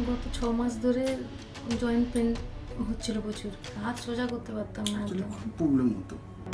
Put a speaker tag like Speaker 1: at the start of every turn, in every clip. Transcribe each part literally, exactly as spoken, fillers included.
Speaker 1: গত ছ মাস ধরে জয়েন্ট পেন হচ্ছিল প্রচুর, হাত সোজা করতে পারতাম না
Speaker 2: আসলে
Speaker 1: একদম।
Speaker 2: খুব প্রবলেম হতো।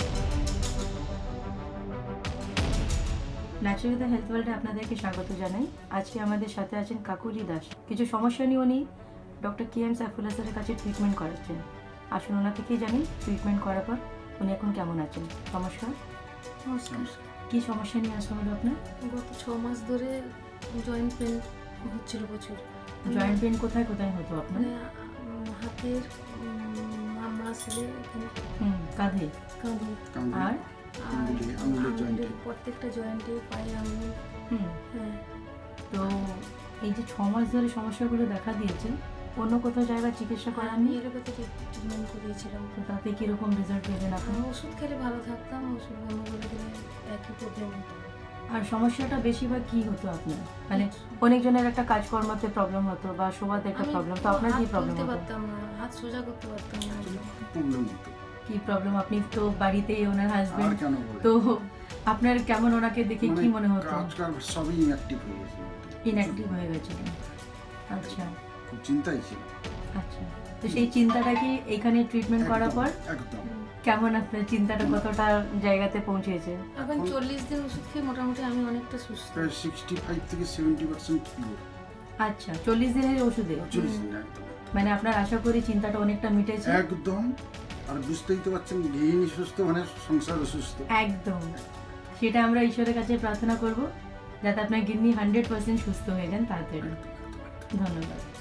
Speaker 3: ন্যাচারাল হেলথ ওয়ার্ল্ডে আপনাদেরকে স্বাগত জানাই। আজকে আমাদের সাথে আছেন কাকুলি দাস। কিছু সমস্যা নিয়ে উনি ডক্টর কে এম সাইফুল্লাহ স্যারের কাছে ট্রিটমেন্ট করাচ্ছেন। আসুন ওনা থেকেই জানি ট্রিটমেন্ট করার পর উনি এখন কেমন আছেন। নমস্কার।
Speaker 1: নমস্কার।
Speaker 3: কি সমস্যা নিয়ে আসা হলো আপনার?
Speaker 1: গত ছ মাস ধরে জয়েন্ট পেন হচ্ছিল প্রচুর।
Speaker 3: জয়েন্ট পেন কোথায় কোথায় হতো আপনার?
Speaker 1: মানে উম, হাতের মামা আসলে এখানে
Speaker 3: হুম, কাঁধে।
Speaker 1: কাঁধে
Speaker 2: কামড়ে
Speaker 3: আর
Speaker 1: আর
Speaker 2: আঙুলে- আঙুলের
Speaker 1: আঙুলের
Speaker 2: জয়েন্টে।
Speaker 1: প্রত্যেকটা জয়েন্টে, পায়ে আঙুল।
Speaker 3: হুম,
Speaker 1: হ্যাঁ,
Speaker 3: তো এই যে ছ মাস ধরে সমস্যাগুলো দেখা দিয়েছে, অন্য কোথাও জায়গায় চিকিৎসা
Speaker 1: আমি
Speaker 3: করাননি?
Speaker 1: এলোপ্যাথি ট্রিটমেন্ট করিয়েছিলাম।
Speaker 3: তো তাতে কিরকম রেজাল্ট পেয়েছেন আপনি?
Speaker 1: আমি ওষুধ খেলে ভালো থাকতাম, ওষুধ বন্ধ করে দিলে একই প্রবলেম হতো।
Speaker 3: আর সমস্যাটা বেশিরভাগ কি হতো আপনার? মানে অনেকজনের একটা কাজকর্মতে প্রবলেম হতো বা শোভাতে একটা
Speaker 1: আমি
Speaker 3: প্রবলেম, তো আপনার কি
Speaker 1: হাত
Speaker 3: প্রবলেম
Speaker 1: তুলতে
Speaker 3: হতো?
Speaker 1: পারতাম না, হাত সোজা করতে পারতাম না
Speaker 2: আসলে
Speaker 1: একদম।
Speaker 2: খুব প্রবলেম হতো।
Speaker 3: কি প্রবলেম? আপনি তো বাড়িতেই ওনার
Speaker 2: আর
Speaker 3: হাজবেন্ড,
Speaker 2: কেন বলে?
Speaker 3: তো আপনার কেমন ওনাকে দেখে কি মনে হতো?
Speaker 2: কাজ কাজ সবই ইনঅ্যাক্টিভ হয়ে গেছে।
Speaker 3: ইনঅ্যাক্টিভ হয়ে গেছিলেন। আচ্ছা
Speaker 2: খুব চিন্তাই ছিল।
Speaker 3: আচ্ছা, তো সেই চিন্তাটা কি এখানে ট্রিটমেন্ট করার
Speaker 2: একদম,
Speaker 3: পর
Speaker 2: একদম
Speaker 3: কেমন আপনার চিন্তাটা কতটা জায়গাতে পৌঁছেছে?
Speaker 1: এখন
Speaker 2: এখন-
Speaker 1: চল্লিশ দিন ওষুধ খেয়ে মোটামুটি আমি অনেকটা সুস্থ।
Speaker 2: প্রায় সিক্সটি ফাইভ থেকে সেভেন্টি পার্সেন্ট পিওর।
Speaker 3: আচ্ছা, চল্লিশ দিনের ওষুধে
Speaker 2: চল্লিশ দিন একদম
Speaker 3: মানে আপনার আশা করি চিন্তাটা অনেকটা মিটেছে।
Speaker 2: একদম। আর বুঝতেই তো পারছেন, গৃহিণী সুস্থ মানে সংসার সুস্থ।
Speaker 3: একদম, সেটা আমরা ঈশ্বরের কাছে প্রার্থনা করব যাতে আপনার গিন্নি হান্ড্রেড পার্সেন্ট সুস্থ হয়ে যান তাড়াতাড়ি।
Speaker 2: একদম, একদম, একদম।
Speaker 3: ধন্যবাদ।